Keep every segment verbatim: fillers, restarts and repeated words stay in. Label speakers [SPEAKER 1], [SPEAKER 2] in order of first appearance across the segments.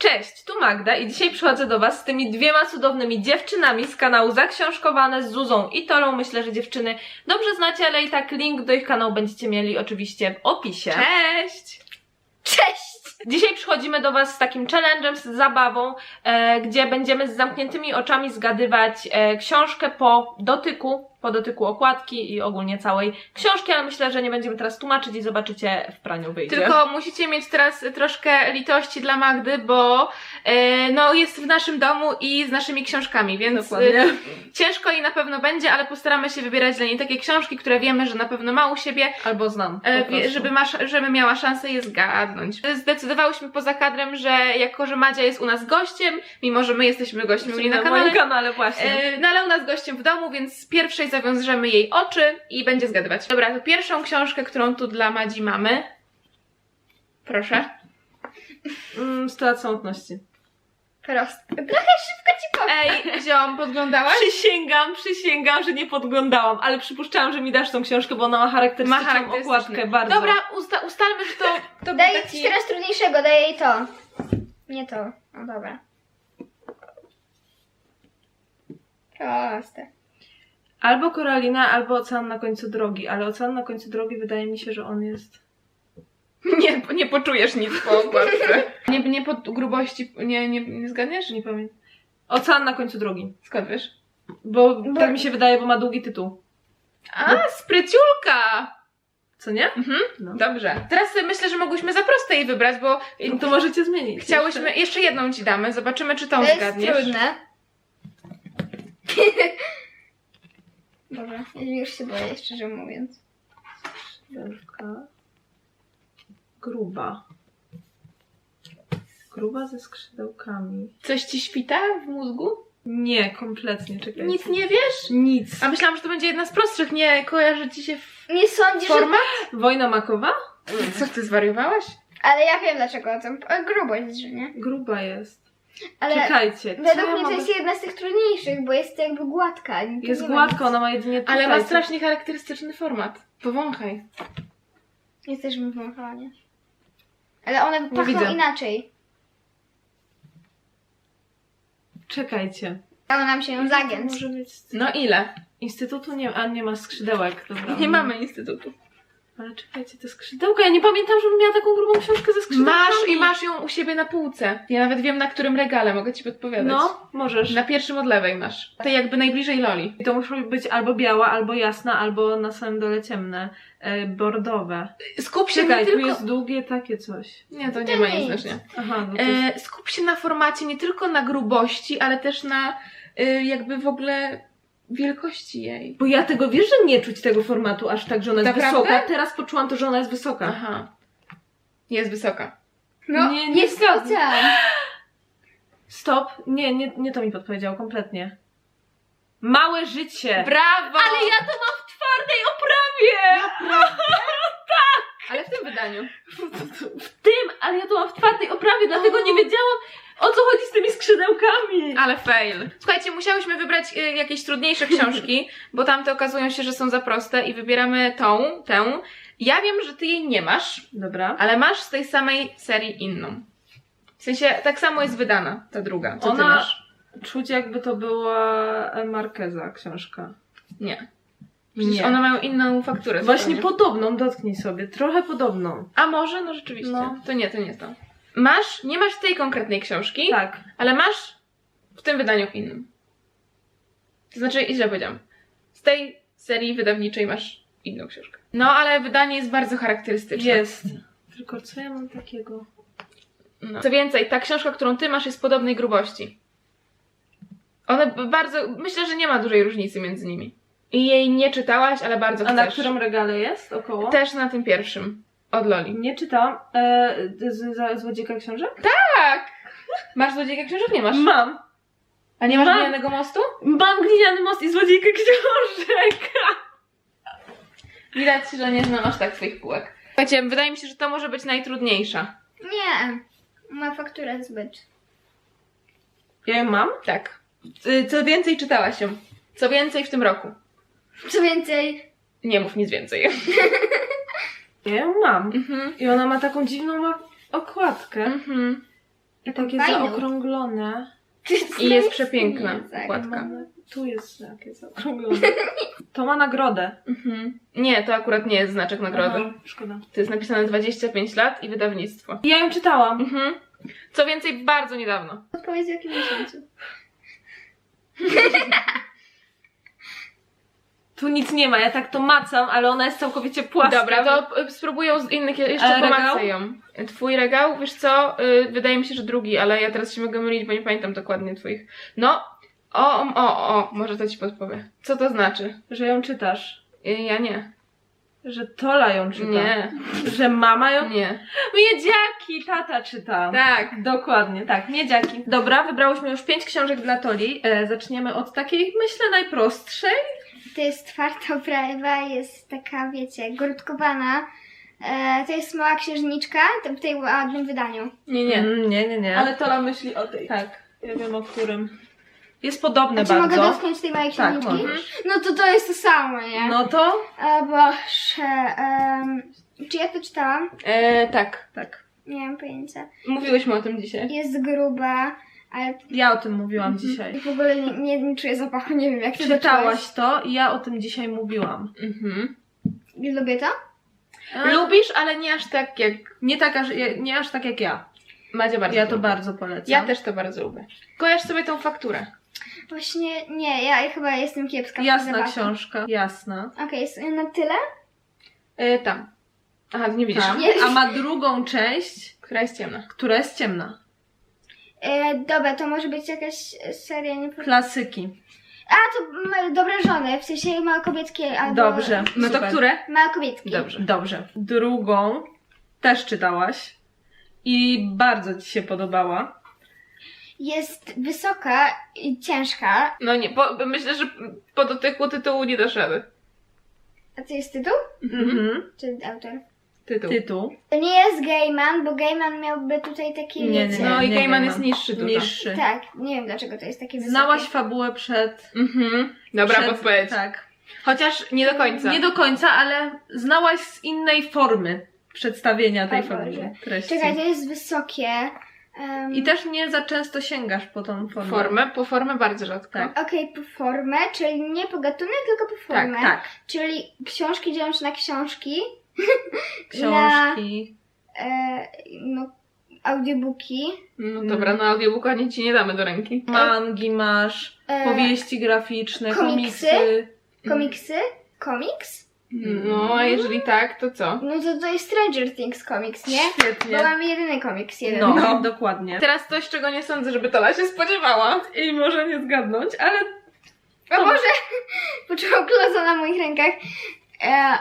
[SPEAKER 1] Cześć, tu Magda i dzisiaj przychodzę do Was z tymi dwiema cudownymi dziewczynami z kanału Zaksiążkowane z Zuzą i Tolą. Myślę, że dziewczyny dobrze znacie, ale i tak link do ich kanału będziecie mieli oczywiście w opisie.
[SPEAKER 2] Cześć!
[SPEAKER 3] Cześć!
[SPEAKER 1] Dzisiaj przychodzimy do Was z takim challenge'em, z zabawą, e, gdzie będziemy z zamkniętymi oczami zgadywać e, książkę po dotyku, po dotyku okładki i ogólnie całej książki, ale myślę, że nie będziemy teraz tłumaczyć i zobaczycie, w praniu wyjdzie.
[SPEAKER 2] Tylko musicie mieć teraz troszkę litości dla Magdy, bo e, no jest w naszym domu i z naszymi książkami, więc e, ciężko jej na pewno będzie, ale postaramy się wybierać dla niej takie książki, które wiemy, że na pewno ma u siebie.
[SPEAKER 1] Albo znam.
[SPEAKER 2] E, wie, żeby, ma, żeby miała szansę je zgadnąć. Zdecydowałyśmy poza kadrem, że jako, że Madzia jest u nas gościem, mimo że my jesteśmy gośćmi u niej na
[SPEAKER 1] na
[SPEAKER 2] kanale,
[SPEAKER 1] moim kanale właśnie.
[SPEAKER 2] e, no ale u nas gościem w domu, więc z pierwszej zawiążemy jej oczy i będzie zgadywać. Dobra, to pierwszą książkę, którą tu dla Madzi mamy. Proszę.
[SPEAKER 1] Mm, sto samotności.
[SPEAKER 3] Proste. Trochę szybko ci powiem.
[SPEAKER 2] Ej, ziom, podglądałaś?
[SPEAKER 1] Przysięgam, przysięgam, że nie podglądałam, ale przypuszczałam, że mi dasz tą książkę, bo ona ma charakterystyczną
[SPEAKER 2] Ma charakterystyczny.
[SPEAKER 1] okładkę bardzo.
[SPEAKER 2] Dobra, usta ustalmy, że to, to był
[SPEAKER 3] Daję
[SPEAKER 2] taki...
[SPEAKER 3] ci teraz trudniejszego, daję jej to. Nie to. No dobra. Proste.
[SPEAKER 1] Albo Koralina, albo Ocean na końcu drogi, ale Ocean na końcu drogi wydaje mi się, że on jest...
[SPEAKER 2] Nie, nie poczujesz nic po okładce. Nie, nie po grubości, nie, nie, nie zgadniesz?
[SPEAKER 1] Nie pamiętam. Ocean na końcu drogi.
[SPEAKER 2] Skąd wiesz?
[SPEAKER 1] Bo,
[SPEAKER 3] Bo-
[SPEAKER 1] tak mi się wydaje, bo ma długi tytuł.
[SPEAKER 2] A, spryciulka!
[SPEAKER 1] Co nie?
[SPEAKER 2] Mhm,
[SPEAKER 1] No.
[SPEAKER 2] dobrze. Teraz myślę, że mogłyśmy za proste jej wybrać, bo
[SPEAKER 1] No to możecie zmienić.
[SPEAKER 2] chciałyśmy... Jeszcze jedną ci damy, zobaczymy, czy tą
[SPEAKER 3] To jest
[SPEAKER 2] zgadniesz.
[SPEAKER 3] trudne.
[SPEAKER 2] Dobra.
[SPEAKER 3] Ja już się boję, szczerze mówiąc.
[SPEAKER 1] Skrzydełka. Gruba. Gruba ze skrzydełkami.
[SPEAKER 2] Coś ci świta w mózgu?
[SPEAKER 1] Nie, kompletnie, czekajcie.
[SPEAKER 2] Nic nie wiesz?
[SPEAKER 1] Nic.
[SPEAKER 2] A myślałam, że to będzie jedna z prostszych. Nie kojarzy ci się w...
[SPEAKER 3] Nie sądzisz, że...
[SPEAKER 2] forma?
[SPEAKER 1] Wojna makowa?
[SPEAKER 2] Co, ty zwariowałaś?
[SPEAKER 3] Ale ja wiem dlaczego o tym. O, grubość, że nie?
[SPEAKER 1] Gruba jest.
[SPEAKER 3] Ale
[SPEAKER 1] Czekajcie. co
[SPEAKER 3] według
[SPEAKER 1] ja
[SPEAKER 3] mnie to
[SPEAKER 1] mogę-
[SPEAKER 3] jest jedna z tych trudniejszych, bo jest jakby gładka. To
[SPEAKER 1] Jest
[SPEAKER 3] nie ma
[SPEAKER 1] gładka,
[SPEAKER 3] nic.
[SPEAKER 1] ona ma jedynie tutaj.
[SPEAKER 2] Ale ma strasznie charakterystyczny format. Powąchaj.
[SPEAKER 3] Jesteśmy w Montrealie. Ale one
[SPEAKER 2] Nie
[SPEAKER 3] pachną
[SPEAKER 2] widzę.
[SPEAKER 3] inaczej.
[SPEAKER 1] Czekajcie.
[SPEAKER 3] Dało nam się ją zagiąć.
[SPEAKER 1] Może mieć...
[SPEAKER 2] No ile?
[SPEAKER 1] Instytutu nie, a nie ma skrzydełek, dobra.
[SPEAKER 2] Nie mamy instytutu.
[SPEAKER 1] Ale czekajcie, te skrzydełka, ja nie pamiętam, żebym miała taką grubą książkę ze skrzydełkami.
[SPEAKER 2] Masz i masz ją u siebie na półce. Ja nawet wiem, na którym regale, mogę ci podpowiadać.
[SPEAKER 1] No, możesz.
[SPEAKER 2] Na pierwszym od lewej masz. To jakby najbliżej Loli.
[SPEAKER 1] I to muszą być albo biała, albo jasna, albo na samym dole ciemne, e, bordowe.
[SPEAKER 2] Skup się
[SPEAKER 1] Czekaj,
[SPEAKER 2] nie
[SPEAKER 1] tu
[SPEAKER 2] tylko...
[SPEAKER 1] jest długie takie coś.
[SPEAKER 2] Nie, to
[SPEAKER 3] To
[SPEAKER 2] nie ma
[SPEAKER 3] nic.
[SPEAKER 2] nic znaczenia.
[SPEAKER 1] Aha, no to jest...
[SPEAKER 2] E, skup się na formacie nie tylko na grubości, ale też na e, jakby w ogóle wielkości jej.
[SPEAKER 1] Bo ja tego, wiesz, że nie czuć tego formatu aż tak, że ona jest
[SPEAKER 2] Naprawdę?
[SPEAKER 1] wysoka. Teraz poczułam to, że ona jest wysoka.
[SPEAKER 2] Aha. Jest wysoka.
[SPEAKER 3] No,
[SPEAKER 1] Nie, nie
[SPEAKER 3] jest
[SPEAKER 1] zgadzam.
[SPEAKER 3] ocean.
[SPEAKER 1] Stop. Nie, nie, nie to mi podpowiedział kompletnie. Małe życie.
[SPEAKER 2] Brawo!
[SPEAKER 1] Ale ja to mam w twardej oprawie!
[SPEAKER 2] Ale w tym wydaniu.
[SPEAKER 1] W tym, ale ja to mam w twardej oprawie, dlatego nie wiedziałam, o co chodzi z tymi skrzydełkami.
[SPEAKER 2] Ale fail. Słuchajcie, musiałyśmy wybrać y, jakieś trudniejsze książki, bo tamte okazują się, że są za proste i wybieramy tą, tę. Ja wiem, że ty jej nie masz,
[SPEAKER 1] Dobra.
[SPEAKER 2] ale masz z tej samej serii inną. W sensie, tak samo jest wydana ta druga. Co ty
[SPEAKER 1] Ona-
[SPEAKER 2] masz?
[SPEAKER 1] Czuć, jakby to była Marqueza książka.
[SPEAKER 2] Nie. Przecież
[SPEAKER 1] Nie.
[SPEAKER 2] one mają inną fakturę.
[SPEAKER 1] Właśnie
[SPEAKER 2] zupełnie.
[SPEAKER 1] podobną, dotknij sobie. Trochę podobną.
[SPEAKER 2] A może? No rzeczywiście.
[SPEAKER 1] No.
[SPEAKER 2] To nie, to nie to. Masz, nie masz tej konkretnej książki,
[SPEAKER 1] Tak.
[SPEAKER 2] ale masz w tym wydaniu innym. To znaczy, źle powiedziałam. Z tej serii wydawniczej masz inną książkę. No, ale wydanie jest bardzo charakterystyczne.
[SPEAKER 1] Jest. Tylko co ja mam takiego?
[SPEAKER 2] No. Co więcej, ta książka, którą ty masz, jest podobnej grubości. One b- bardzo... Myślę, że nie ma dużej różnicy między nimi. I jej nie czytałaś, ale bardzo
[SPEAKER 1] A
[SPEAKER 2] chcesz.
[SPEAKER 1] na którym regale jest? Około?
[SPEAKER 2] Też na tym pierwszym. Od Loli.
[SPEAKER 1] Nie czytałam. E, z, z, Złodziejka książek?
[SPEAKER 2] Tak! Masz Złodziejka książek? Nie masz.
[SPEAKER 1] Mam.
[SPEAKER 2] A nie masz
[SPEAKER 1] Mam.
[SPEAKER 2] Glinianego mostu?
[SPEAKER 1] Mam Gliniany most i Złodziejkę książek.
[SPEAKER 2] Widać, że nie znam aż tak swoich półek. Słuchajcie, wydaje mi się, że to może być najtrudniejsza.
[SPEAKER 3] Nie. Ma fakturę zbyt.
[SPEAKER 1] Ja ją mam?
[SPEAKER 2] Tak. Y, Co więcej, czytałaś ją. Co więcej w tym roku.
[SPEAKER 3] Co więcej,
[SPEAKER 2] Nie mów nic więcej.
[SPEAKER 1] Ja ją mam.
[SPEAKER 2] Mhm.
[SPEAKER 1] I ona ma taką dziwną ma- okładkę.
[SPEAKER 2] Mhm.
[SPEAKER 1] I takie
[SPEAKER 3] Fajną.
[SPEAKER 1] zaokrąglone.
[SPEAKER 2] I jest przepiękna
[SPEAKER 3] Tak.
[SPEAKER 2] okładka.
[SPEAKER 1] Mamy- Tu jest takie zaokrąglone. To ma nagrodę.
[SPEAKER 2] Mhm. Nie, to akurat nie jest znaczek nagrody.
[SPEAKER 1] Aha, szkoda.
[SPEAKER 2] To jest napisane dwadzieścia pięć lat i wydawnictwo.
[SPEAKER 1] Ja ją czytałam.
[SPEAKER 2] Mhm. Co więcej, bardzo niedawno.
[SPEAKER 3] Odpowiedz w jakim miesiącu.
[SPEAKER 1] Tu nic nie ma, ja tak to macam, ale ona jest całkowicie płaska.
[SPEAKER 2] Dobra, to y, spróbuję z innych, jeszcze
[SPEAKER 1] Ale regał?
[SPEAKER 2] pomacę ją. Twój regał, wiesz co, y, wydaje mi się, że drugi, ale ja teraz się mogę mylić, bo nie pamiętam dokładnie twoich. No, o, o, o, o, może to ci podpowiem. Co to znaczy?
[SPEAKER 1] Że ją czytasz.
[SPEAKER 2] Y, ja nie.
[SPEAKER 1] Że Tola ją czyta.
[SPEAKER 2] Nie,
[SPEAKER 1] Że mama ją...
[SPEAKER 2] nie.
[SPEAKER 1] Miedziaki, tata czyta.
[SPEAKER 2] Tak.
[SPEAKER 1] Dokładnie, tak, miedziaki. Dobra, wybrałyśmy już pięć książek dla Toli. E, zaczniemy od takiej, myślę, najprostszej.
[SPEAKER 3] To jest twarda oprawa, jest taka, wiecie, grudkowana. E, to jest mała księżniczka to w tej ładnym wydaniu.
[SPEAKER 2] Nie, nie.
[SPEAKER 1] Mm, nie, nie, nie.
[SPEAKER 2] Ale Tola myśli o tej.
[SPEAKER 1] Tak, ja wiem o którym. Jest podobne
[SPEAKER 3] A czy mogę
[SPEAKER 1] bardzo.
[SPEAKER 3] dotknąć tej małej
[SPEAKER 1] Tak,
[SPEAKER 3] księżniczki?
[SPEAKER 1] możesz.
[SPEAKER 3] No to to jest to samo, nie?
[SPEAKER 1] No to?
[SPEAKER 3] O Boże. em, czy ja to czytałam?
[SPEAKER 2] E, tak.
[SPEAKER 1] Tak.
[SPEAKER 3] Nie mam pojęcia.
[SPEAKER 2] Mówiłyśmy o tym dzisiaj.
[SPEAKER 3] Jest gruba, ale
[SPEAKER 1] Ja o tym mówiłam dzisiaj.
[SPEAKER 3] w ogóle nie, nie, nie czuję zapachu, nie wiem jak ty to
[SPEAKER 1] Czytałaś to i ja o tym dzisiaj mówiłam.
[SPEAKER 2] Mhm.
[SPEAKER 3] czułeś. Lubię to?
[SPEAKER 1] A,
[SPEAKER 2] Lubisz, ale nie aż tak jak
[SPEAKER 1] nie, tak aż, nie aż tak jak ja.
[SPEAKER 2] Madzia bardzo
[SPEAKER 1] Ja to
[SPEAKER 2] lubi.
[SPEAKER 1] bardzo polecam.
[SPEAKER 2] Ja też to bardzo lubię. Kojarz sobie tą fakturę.
[SPEAKER 3] Właśnie nie, ja chyba jestem kiepska w
[SPEAKER 1] Jasna
[SPEAKER 3] zapachu.
[SPEAKER 1] książka. Jasna.
[SPEAKER 3] Okej, jest na tyle?
[SPEAKER 2] E, tam. Aha, ty nie widzisz.
[SPEAKER 1] Tam.
[SPEAKER 3] Nie.
[SPEAKER 1] A ma drugą część,
[SPEAKER 2] Która jest ciemna.
[SPEAKER 1] która jest ciemna.
[SPEAKER 3] E, dobra, to może być jakaś seria, nie pamiętam.
[SPEAKER 1] Klasyki.
[SPEAKER 3] A, to m- Dobre żony, w sensie małokobieckie albo...
[SPEAKER 1] Dobrze.
[SPEAKER 2] No to
[SPEAKER 1] super.
[SPEAKER 2] które?
[SPEAKER 3] Małokobieckie.
[SPEAKER 2] Dobrze.
[SPEAKER 1] Dobrze. Drugą też czytałaś i bardzo ci się podobała.
[SPEAKER 3] Jest wysoka i ciężka.
[SPEAKER 2] No nie, po, myślę, że po dotyku tytułu nie dasz rady.
[SPEAKER 3] A to jest tytuł?
[SPEAKER 1] Mhm.
[SPEAKER 3] Czy autor?
[SPEAKER 2] Tytuł.
[SPEAKER 1] Tytuł.
[SPEAKER 3] To nie jest Gaiman, bo Gaiman miałby tutaj takie,
[SPEAKER 1] Nie, nie,
[SPEAKER 3] wiecie...
[SPEAKER 2] No i
[SPEAKER 1] nie
[SPEAKER 2] Gaiman
[SPEAKER 1] ma.
[SPEAKER 2] jest niższy dużo.
[SPEAKER 1] Niższy.
[SPEAKER 3] Tak, nie wiem dlaczego to jest takie wysokie.
[SPEAKER 1] Znałaś fabułę przed...
[SPEAKER 2] Mhm. Dobra
[SPEAKER 1] przed,
[SPEAKER 2] podpowiedź.
[SPEAKER 1] Tak.
[SPEAKER 2] Chociaż nie do końca.
[SPEAKER 1] Nie do końca, ale znałaś z innej formy przedstawienia tej
[SPEAKER 3] O Boże.
[SPEAKER 1] fabuły, treści.
[SPEAKER 3] Czekaj, to jest wysokie. Um,
[SPEAKER 1] I też nie za często sięgasz po tą formę.
[SPEAKER 2] Formę, po formę bardzo rzadko.
[SPEAKER 1] Tak.
[SPEAKER 3] Okej, po formę, czyli nie po gatunek, tylko po formę.
[SPEAKER 1] Tak, tak.
[SPEAKER 3] Czyli książki dzielą się na książki,
[SPEAKER 1] Książki.
[SPEAKER 3] e, no, audiobooki,
[SPEAKER 2] No dobra, no audiobooka nie ci nie damy do ręki.
[SPEAKER 1] Mangi masz,
[SPEAKER 3] e,
[SPEAKER 1] powieści graficzne,
[SPEAKER 3] komiksy?
[SPEAKER 1] komiksy.
[SPEAKER 3] komiksy, komiks.
[SPEAKER 2] No, a jeżeli tak, to co?
[SPEAKER 3] No to to jest Stranger Things komiks, nie?
[SPEAKER 1] Świetnie.
[SPEAKER 3] Bo mamy jedyny komiks, jeden.
[SPEAKER 1] No,
[SPEAKER 2] No.
[SPEAKER 1] dokładnie.
[SPEAKER 2] Teraz coś, czego nie sądzę, żeby Tola się spodziewała.
[SPEAKER 1] I może nie zgadnąć, ale
[SPEAKER 3] O Boże! Poczułam kloca na moich rękach. E,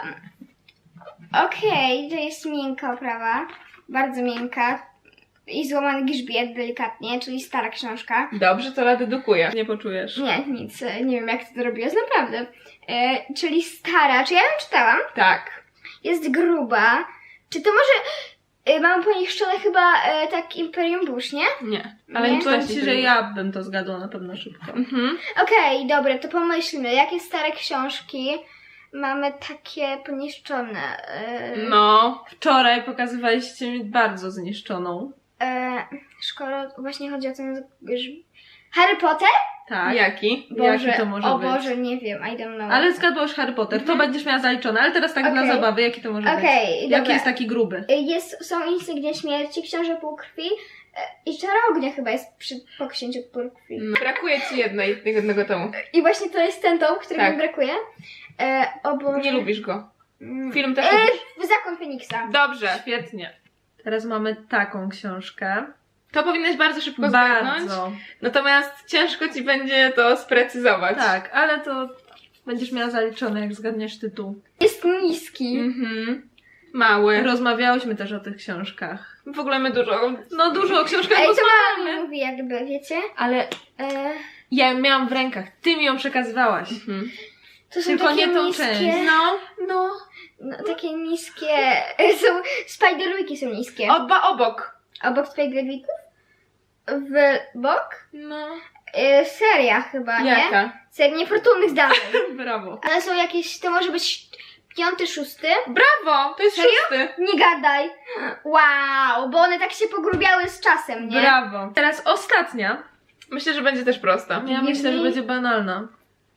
[SPEAKER 3] Okej, to jest miękka oprawa. Bardzo miękka. I złamany grzbiet delikatnie, czyli stara książka.
[SPEAKER 2] Dobrze, Tola dedukuje.
[SPEAKER 1] nie poczujesz.
[SPEAKER 3] Nie, nic. e, Nie wiem, jak ty to robiłaś, naprawdę. E, czyli stara. Czy ja ją czytałam?
[SPEAKER 2] Tak.
[SPEAKER 3] Jest gruba. Czy to może... E, mam poniszczone chyba e, tak Imperium Bush, nie?
[SPEAKER 2] Nie.
[SPEAKER 3] Nie?
[SPEAKER 2] Ale nie
[SPEAKER 1] Powiem
[SPEAKER 2] czytasz
[SPEAKER 1] ci, że ja bym to zgadła na pewno szybko.
[SPEAKER 2] Mhm.
[SPEAKER 3] Okej, dobra, to pomyślmy. Jakie stare książki mamy takie poniszczone? E,
[SPEAKER 2] No.
[SPEAKER 1] Wczoraj pokazywaliście mi bardzo zniszczoną.
[SPEAKER 3] E, szkoda, właśnie chodzi o ten... grz- Harry Potter?
[SPEAKER 1] Tak.
[SPEAKER 2] Jaki?
[SPEAKER 3] Boże,
[SPEAKER 1] Jaki to może
[SPEAKER 3] o
[SPEAKER 1] być?
[SPEAKER 3] Boże, nie wiem, I don't know.
[SPEAKER 1] Ale zgadłaś Harry Potter, to
[SPEAKER 3] Mhm.
[SPEAKER 1] będziesz miała zaliczone, ale teraz tak dla
[SPEAKER 3] Okej.
[SPEAKER 1] zabawy, jaki to może
[SPEAKER 3] Okej,
[SPEAKER 1] być?
[SPEAKER 3] dobra.
[SPEAKER 1] Jaki jest taki gruby?
[SPEAKER 3] Jest, są insygnia śmierci, książę półkrwi e, i czara ognia chyba jest przy, po księciu półkrwi.
[SPEAKER 2] No. Brakuje ci jednej, jednego tomu.
[SPEAKER 3] I właśnie to jest ten tom, którego
[SPEAKER 2] Tak.
[SPEAKER 3] mi brakuje. E, o Boże.
[SPEAKER 2] Nie lubisz go.
[SPEAKER 3] Mm.
[SPEAKER 2] Film też
[SPEAKER 3] E,
[SPEAKER 2] lubisz.
[SPEAKER 3] Zakon Feniksa.
[SPEAKER 2] Dobrze.
[SPEAKER 1] Świetnie. Teraz mamy taką książkę.
[SPEAKER 2] To powinnaś bardzo szybko zgadnąć.
[SPEAKER 1] Bardzo.
[SPEAKER 2] Natomiast ciężko ci będzie to sprecyzować.
[SPEAKER 1] Tak, ale to będziesz miała zaliczone, jak zgadniesz tytuł.
[SPEAKER 3] Jest niski.
[SPEAKER 2] Mhm. Mały.
[SPEAKER 1] Rozmawiałyśmy też o tych książkach.
[SPEAKER 2] W ogóle my dużo.
[SPEAKER 1] No dużo o książkach
[SPEAKER 3] Ej, to
[SPEAKER 1] rozmawiamy.
[SPEAKER 3] mama mi mówi jakby, wiecie?
[SPEAKER 1] Ale
[SPEAKER 3] E,
[SPEAKER 1] ja ją miałam w rękach, ty mi ją przekazywałaś.
[SPEAKER 2] Mhm.
[SPEAKER 3] to są
[SPEAKER 1] Tylko
[SPEAKER 3] takie
[SPEAKER 1] nie tą
[SPEAKER 3] niskie,
[SPEAKER 1] część.
[SPEAKER 2] No.
[SPEAKER 1] No.
[SPEAKER 3] no, takie niskie, są, Spiderwiki są niskie.
[SPEAKER 2] Oba obok.
[SPEAKER 3] Obok Spiderwików? W bok?
[SPEAKER 2] No.
[SPEAKER 3] E, seria chyba, nie?
[SPEAKER 2] Jaka?
[SPEAKER 3] Seria Niefortunnych Zdarzeń.
[SPEAKER 1] Brawo.
[SPEAKER 3] Ale są jakieś, to może być piąty, szósty.
[SPEAKER 2] Brawo! To jest
[SPEAKER 3] Serio?
[SPEAKER 2] szósty.
[SPEAKER 3] Nie gadaj. Wow, bo one tak się pogrubiały z czasem, nie?
[SPEAKER 1] Brawo. Teraz ostatnia.
[SPEAKER 2] Myślę, że będzie też prosta.
[SPEAKER 1] Ja myślę, że będzie banalna.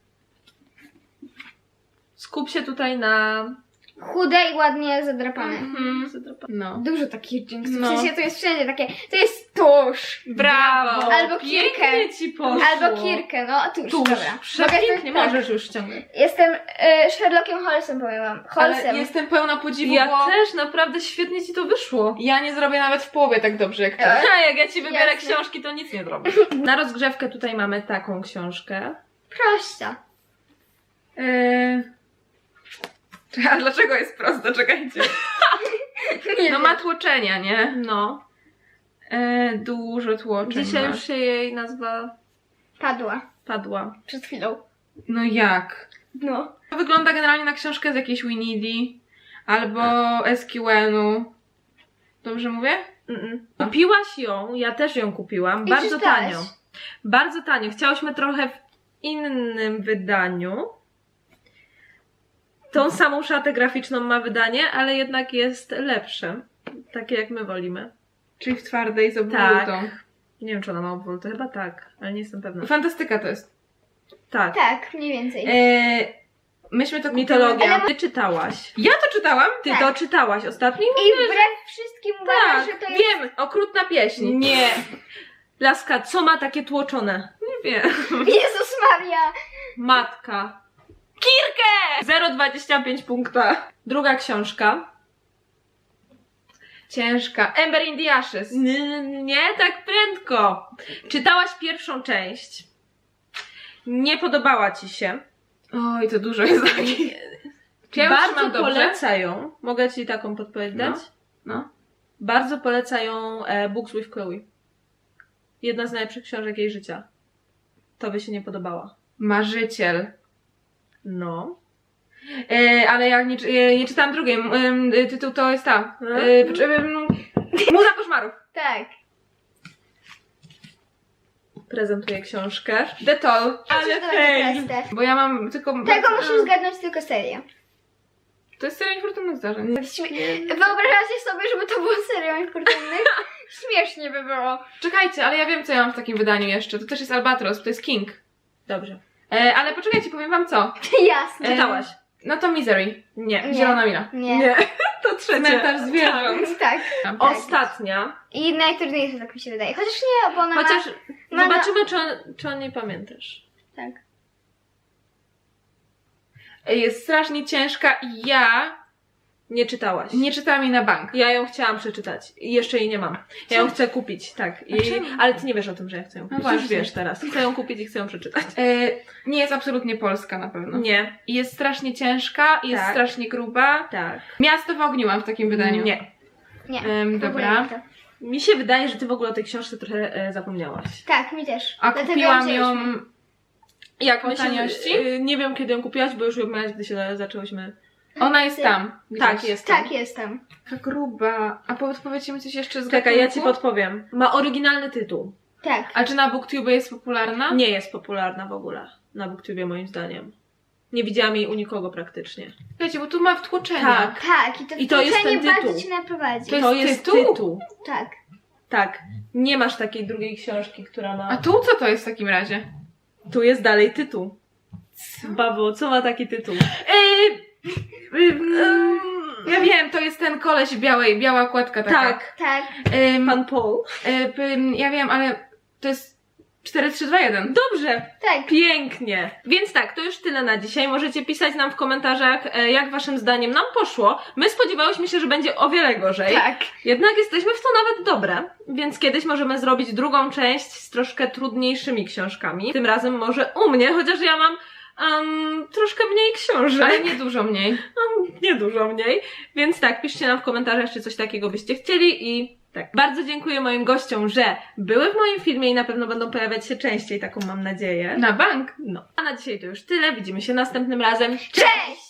[SPEAKER 1] Skup się tutaj na...
[SPEAKER 3] Chude i ładnie zadrapane.
[SPEAKER 2] Mhm. No.
[SPEAKER 3] Dużo takich jinxów.
[SPEAKER 2] No.
[SPEAKER 3] W sensie to jest wszędzie takie. To jest tusz.
[SPEAKER 2] Brawo!
[SPEAKER 3] Albo kirkę.
[SPEAKER 1] Pięknie ci poszło.
[SPEAKER 3] Albo kirkę, no tusz.
[SPEAKER 1] Tuż.
[SPEAKER 3] Dobra.
[SPEAKER 1] Przepięknie,
[SPEAKER 3] Mogę-
[SPEAKER 1] możesz już ściągać.
[SPEAKER 3] Jestem e, Sherlockiem Holmesem, powiem wam. Holmesem.
[SPEAKER 2] Ale jestem pełna podziwu,
[SPEAKER 1] Ja
[SPEAKER 2] bo
[SPEAKER 1] też, naprawdę świetnie ci to wyszło.
[SPEAKER 2] ja nie zrobię nawet w połowie tak dobrze jak ty.
[SPEAKER 3] E?
[SPEAKER 1] A jak ja ci wybiorę
[SPEAKER 3] Jasne.
[SPEAKER 1] książki, to nic nie zrobię. Na rozgrzewkę tutaj mamy taką książkę.
[SPEAKER 3] Prosta.
[SPEAKER 2] Eee... A dlaczego jest prosto? Czekajcie.
[SPEAKER 3] Nie
[SPEAKER 2] No
[SPEAKER 3] wiem.
[SPEAKER 2] ma tłoczenia, nie?
[SPEAKER 1] No.
[SPEAKER 2] Eee, dużo tłoczeń
[SPEAKER 1] Dzisiaj
[SPEAKER 2] ma.
[SPEAKER 1] już się jej nazwa
[SPEAKER 3] Padła.
[SPEAKER 1] padła.
[SPEAKER 3] Przed chwilą.
[SPEAKER 2] No jak?
[SPEAKER 3] No.
[SPEAKER 2] To wygląda generalnie na książkę z jakiejś Winidi albo S Q N-u. Dobrze mówię?
[SPEAKER 1] Mm-mm. Kupiłaś ją, ja też ją kupiłam,
[SPEAKER 3] I
[SPEAKER 1] bardzo
[SPEAKER 3] czytałaś.
[SPEAKER 1] tanio. Bardzo tanio. Chciałyśmy trochę w innym wydaniu. Tą samą szatę graficzną ma wydanie, ale jednak jest lepsze. Takie jak my wolimy.
[SPEAKER 2] Czyli w twardej z
[SPEAKER 1] Tak.
[SPEAKER 2] obwolutą.
[SPEAKER 1] Nie wiem, czy ona ma obwolutę, chyba tak, ale nie jestem pewna.
[SPEAKER 2] Fantastyka to jest.
[SPEAKER 1] Tak.
[SPEAKER 3] Tak, mniej więcej.
[SPEAKER 2] Eee, myśmy to
[SPEAKER 1] Mitologia.
[SPEAKER 3] Ale-
[SPEAKER 1] Ty czytałaś.
[SPEAKER 2] Ja to czytałam?
[SPEAKER 1] Ty
[SPEAKER 3] Tak.
[SPEAKER 1] to czytałaś ostatnio?
[SPEAKER 3] I wbrew wszystkim uważam,
[SPEAKER 1] Tak,
[SPEAKER 3] że to jest...
[SPEAKER 2] Wiem, okrutna pieśń.
[SPEAKER 1] Nie. Laska, co ma takie tłoczone? Nie wiem.
[SPEAKER 3] Jezus Maria!
[SPEAKER 1] Matka. Kirkę! zero przecinek dwadzieścia pięć punkta. Druga książka.
[SPEAKER 2] Ciężka. Ember in the Ashes.
[SPEAKER 1] N- nie tak prędko. Czytałaś pierwszą część. Nie podobała ci się.
[SPEAKER 2] Oj, to dużo jest takich. Czy ja ją
[SPEAKER 1] Bardzo
[SPEAKER 2] trzymam dobrze?
[SPEAKER 1] polecają. Mogę ci taką podpowiedź dać?
[SPEAKER 2] No.
[SPEAKER 1] Bardzo polecają e, Books with Chloe. Jedna z najlepszych książek jej życia. To by się nie podobała.
[SPEAKER 2] Marzyciel.
[SPEAKER 1] No.
[SPEAKER 2] E, ale ja nie, czy- e, nie czytałam drugiej. M, e, tytuł to jest ta.
[SPEAKER 1] Hmm?
[SPEAKER 2] E, pocz- e, m, Muza koszmarów.
[SPEAKER 3] Tak.
[SPEAKER 1] Prezentuję książkę.
[SPEAKER 2] The Toll.
[SPEAKER 1] Ale
[SPEAKER 3] to
[SPEAKER 1] hej.
[SPEAKER 3] będzie proste.
[SPEAKER 2] Bo ja mam tylko...
[SPEAKER 3] Tego musisz zgadnąć tylko serię.
[SPEAKER 2] To jest seria niefortunnych zdarzeń.
[SPEAKER 3] Śmie- Wyobrażacie sobie, żeby to było serią infortunnych? Śmiesznie by było.
[SPEAKER 2] Czekajcie, ale ja wiem, co ja mam w takim wydaniu jeszcze. To też jest Albatros, to jest King.
[SPEAKER 1] Dobrze.
[SPEAKER 2] E, ale poczekajcie, powiem wam co.
[SPEAKER 3] Jasne.
[SPEAKER 2] E,
[SPEAKER 1] Czytałaś?
[SPEAKER 2] No to Misery.
[SPEAKER 1] Nie.
[SPEAKER 3] Nie.
[SPEAKER 2] Zielona Mila.
[SPEAKER 3] Nie.
[SPEAKER 1] To trzecie.
[SPEAKER 2] Cmentarz zwierząt.
[SPEAKER 3] Tak.
[SPEAKER 1] Ostatnia.
[SPEAKER 3] I najtrudniejsze, tak mi się wydaje. Chociaż nie, bo ona
[SPEAKER 1] Chociaż
[SPEAKER 3] ma... ma
[SPEAKER 1] zobaczymy, czy, on, czy o niej pamiętasz.
[SPEAKER 3] Tak.
[SPEAKER 2] E, Jest strasznie ciężka i ja
[SPEAKER 1] Nie czytałaś.
[SPEAKER 2] nie czytałam jej na bank.
[SPEAKER 1] Ja ją chciałam przeczytać i jeszcze jej nie mam. Ja ją chcę kupić, tak. I,
[SPEAKER 2] czemu?
[SPEAKER 1] ale ty nie wiesz o tym, że ja chcę ją kupić. Już
[SPEAKER 2] właśnie.
[SPEAKER 1] wiesz teraz. Chcę ją kupić i chcę ją przeczytać.
[SPEAKER 2] E, nie jest absolutnie polska na pewno.
[SPEAKER 1] Nie.
[SPEAKER 2] I jest strasznie ciężka, i jest
[SPEAKER 1] Tak.
[SPEAKER 2] strasznie gruba.
[SPEAKER 1] Tak.
[SPEAKER 2] Miasto w ogniu mam w takim wydaniu.
[SPEAKER 1] Nie.
[SPEAKER 3] Nie.
[SPEAKER 2] Em,
[SPEAKER 3] w ogóle
[SPEAKER 2] dobra.
[SPEAKER 3] nie to.
[SPEAKER 1] Mi się wydaje, że ty w ogóle o tej książce trochę e, zapomniałaś.
[SPEAKER 3] Tak, mi też.
[SPEAKER 2] A
[SPEAKER 3] Dlatego
[SPEAKER 2] kupiłam
[SPEAKER 3] wzięłyśmy.
[SPEAKER 2] ją...
[SPEAKER 1] Jak
[SPEAKER 2] Po
[SPEAKER 1] myślę,
[SPEAKER 2] taniości?
[SPEAKER 1] e, nie wiem, kiedy ją kupiłaś, bo już ją miałaś, gdy się zaczęłyśmy.
[SPEAKER 2] Ona jest tam.
[SPEAKER 1] Tak,
[SPEAKER 2] gdzieś.
[SPEAKER 1] jest.
[SPEAKER 3] Tak, jestem.
[SPEAKER 2] Taka gruba. A podpowiedzcie mi coś jeszcze z
[SPEAKER 1] Czekaj, ja ci
[SPEAKER 2] gatunku?
[SPEAKER 1] podpowiem. Ma oryginalny tytuł.
[SPEAKER 3] Tak.
[SPEAKER 2] A czy na BookTube jest popularna?
[SPEAKER 1] Nie jest popularna w ogóle na BookTubie moim zdaniem. Nie widziałam jej u nikogo praktycznie.
[SPEAKER 2] Wiecie, bo tu ma wtłoczenia.
[SPEAKER 1] Tak.
[SPEAKER 3] Tak, i to,
[SPEAKER 1] I to jest
[SPEAKER 3] wtłoczenie
[SPEAKER 1] ten tytuł.
[SPEAKER 3] bardzo cię naprowadzi.
[SPEAKER 2] To jest
[SPEAKER 1] To jest
[SPEAKER 2] tytuł?
[SPEAKER 1] tytuł.
[SPEAKER 3] Tak.
[SPEAKER 1] Tak. Nie masz takiej drugiej książki, która ma...
[SPEAKER 2] A tu co to jest w takim razie?
[SPEAKER 1] Tu jest dalej tytuł. Babo, co ma taki tytuł?
[SPEAKER 2] Yy, ja wiem, to jest ten koleś w białej, biała okładka taka.
[SPEAKER 1] Tak.
[SPEAKER 3] Tak.
[SPEAKER 2] Ym,
[SPEAKER 1] Pan Paul.
[SPEAKER 2] y, pym, ja wiem, ale to jest cztery trzy dwa jeden.
[SPEAKER 1] Dobrze.
[SPEAKER 3] Tak.
[SPEAKER 1] Pięknie. Więc tak, to już tyle na dzisiaj. Możecie pisać nam w komentarzach, e, jak waszym zdaniem nam poszło. My spodziewałyśmy się, że będzie o wiele gorzej.
[SPEAKER 3] Tak.
[SPEAKER 1] Jednak jesteśmy w to nawet dobre, więc kiedyś możemy zrobić drugą część z troszkę trudniejszymi książkami. Tym razem może u mnie, chociaż ja mam um, troszkę mniej książek.
[SPEAKER 2] Ale nie dużo mniej.
[SPEAKER 1] Nie dużo mniej. Więc tak, piszcie nam w komentarzach, czy coś takiego byście chcieli i tak. Bardzo dziękuję moim gościom, że były w moim filmie i na pewno będą pojawiać się częściej, taką mam nadzieję.
[SPEAKER 2] Na bank.
[SPEAKER 1] No. A na dzisiaj to już tyle. Widzimy się następnym razem.
[SPEAKER 3] Cześć!